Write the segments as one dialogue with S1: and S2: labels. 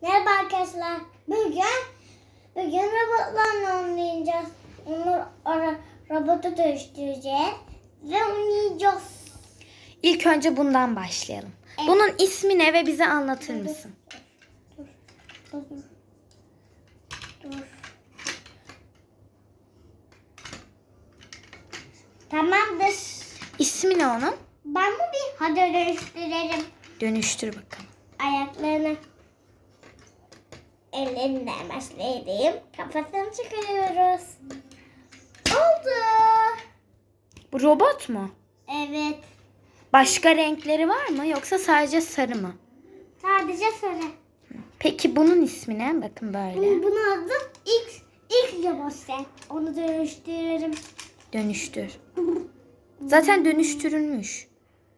S1: Merhaba arkadaşlar. Bugün robotlarla oynayacağız. Robotu dönüştüreceğiz ve oynayacağız.
S2: İlk önce bundan başlayalım.
S1: Evet.
S2: Bunun ismi ne ve bize anlatır mısın?
S1: Dur. Tamamdır.
S2: İsmi ne onun?
S1: Ben bu bir hadi dönüştürelim.
S2: Dönüştür bakalım.
S1: Ayaklarını ellerinden başlayayım. Kafasını çıkarıyoruz. Oldu.
S2: Bu robot mu?
S1: Evet.
S2: Başka renkleri var mı yoksa sadece sarı mı?
S1: Sadece sarı.
S2: Peki bunun ismi ne? Bakın böyle.
S1: Bunun adı X robot. Onu dönüştürürüm.
S2: Dönüştür. Zaten dönüştürülmüş.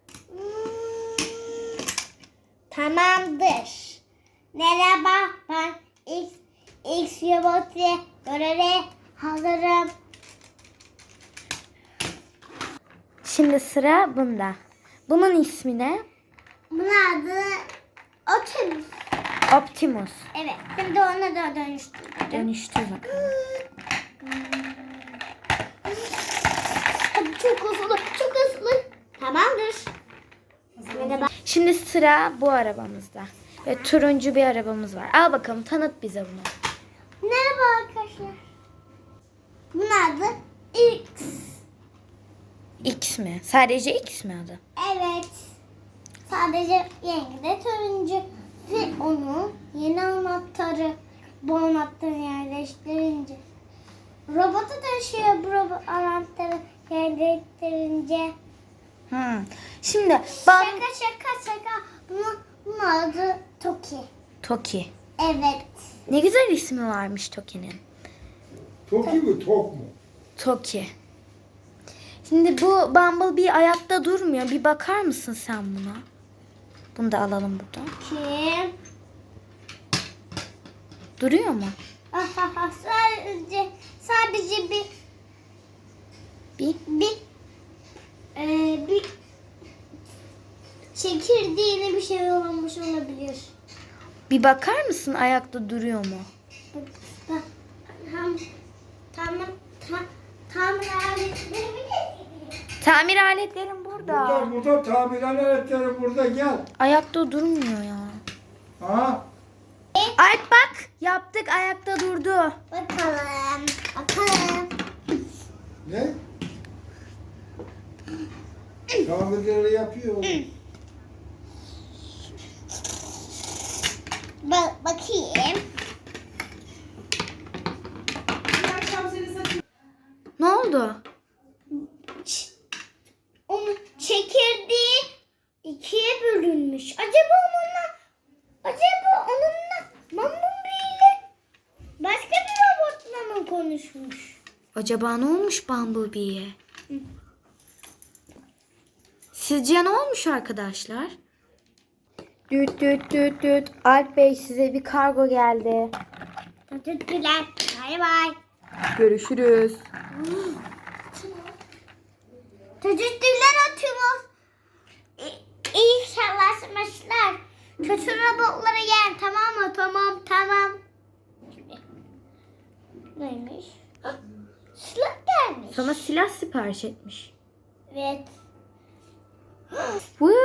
S1: Tamamdır. Merhaba, ben X robotu göreve hazırım.
S2: Şimdi sıra bunda. Bunun ismi ne?
S1: Bunun adı Optimus.
S2: Optimus.
S1: Evet, şimdi onu da dönüştürdüm.
S2: Dönüştür bakalım.
S1: Çok hızlı. Tamamdır. Merhaba.
S2: Şimdi sıra bu arabamızda. Ve turuncu bir arabamız var. Al bakalım, tanıt bize bunu.
S1: Merhaba arkadaşlar. Bunun adı X.
S2: X mi? Sadece X mi adı?
S1: Evet. Sadece rengi de turuncu. Ve onun yeni anahtarı. Bu anahtarı yerleştirince robota dönüşüyor. Bu robot anahtarı yerleştirince.
S2: Şimdi
S1: Şaka. Bunun adı Toki.
S2: Toki.
S1: Evet.
S2: Ne güzel ismi varmış Toki'nin.
S3: Toki mi tok mu?
S2: Toki. Şimdi bu Bumblebee ayakta durmuyor. Bir bakar mısın sen buna? Bunu da alalım buradan.
S1: Kim?
S2: Duruyor mu?
S1: Sadece bir çekirdeğine bir şey olmuş olabilir.
S2: Bir bakar mısın ayakta duruyor mu?
S1: Tamir aletlerimi
S2: Tamir aletlerim burada.
S3: Burada tamir aletleri burada gel.
S2: Ayakta durmuyor ya.
S3: Ha?
S2: Alp bak, yaptık, ayakta durdu.
S1: bakalım.
S3: Ne? Tamirleri yapıyor.
S1: Bakayım.
S2: Ne oldu?
S1: Onun çekirdeği ikiye bölünmüş. Acaba onunla Bumblebee ile başka bir robotla mı konuşmuş?
S2: Acaba ne olmuş Bumblebee'ye? Sizce ne olmuş arkadaşlar? Düt. Alp Bey, size bir kargo geldi.
S1: Teşekkürler. Bay bay.
S2: Görüşürüz.
S1: Teşekkürler Optimus. İyi çalışmışlar. Kötü robotları yen, tamam mı? Tamam. Neymiş? Silah gelmiş.
S2: Sana silah sipariş etmiş.
S1: Evet.
S2: Wow.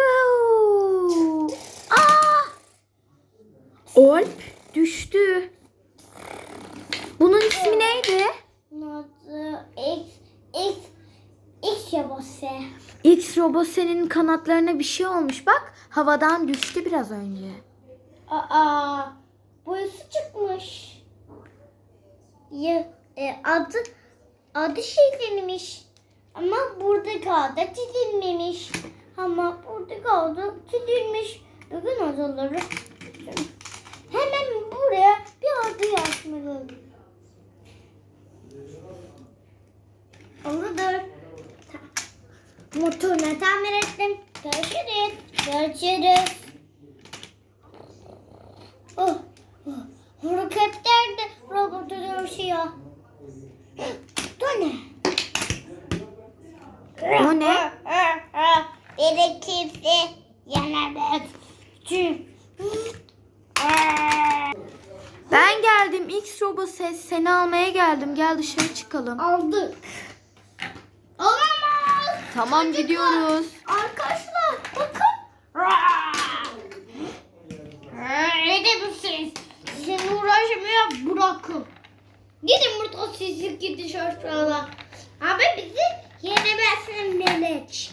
S2: Alp düştü. Bunun ismi neydi?
S1: Adı X robotu.
S2: X robot, senin kanatlarına bir şey olmuş. Bak, havadan düştü biraz önce.
S1: Boyası çıkmış. Adı çizilmiş. Ama burada kaldı çizilmemiş. Bugün adaları. Hemen buraya bir adı yazmalıyım. Olur. Motorunu tamir ettim. Görüşürüz. Helikopter de robotu dönüşüyor.
S2: O ne?
S1: Beni kimse yenemez.
S2: Onyx Robo ses, seni almaya geldim. Gel dışarı çıkalım.
S1: Aldık. Olamaz.
S2: Tamam gidiyoruz.
S1: Arkadaşlar bakın. Ne demişsiniz? Sizinle uğraşmaya bırakın. Gidin burada sizi gidin aşağıda. Abi bizi yenemezsin melek.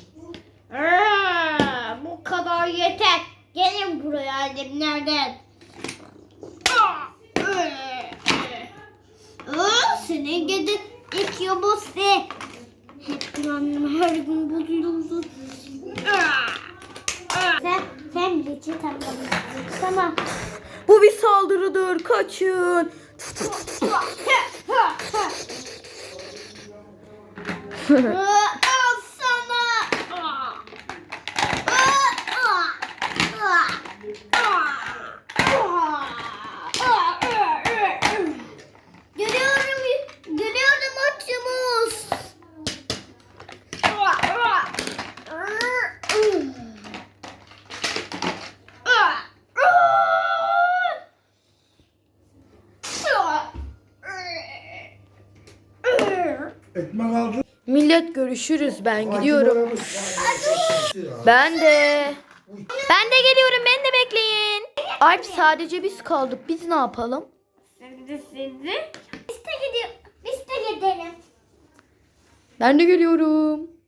S1: Bu kadar yeter. Gelin buraya annemlerden. Senin gidin ilk yobası. Hep bir annem her gün bozuyorsun. Sen bileci tamam.
S2: Bu bir saldırıdır. Kaçın.
S1: Al sana. Görüyorum Optimus.
S3: Ekmek aldın.
S2: Millet görüşürüz. Ben gidiyorum. Ben de. Ben de geliyorum. Beni de bekleyin. Alp sadece biz kaldık. Biz ne yapalım?
S1: Biz de gidelim.
S2: Ben de geliyorum.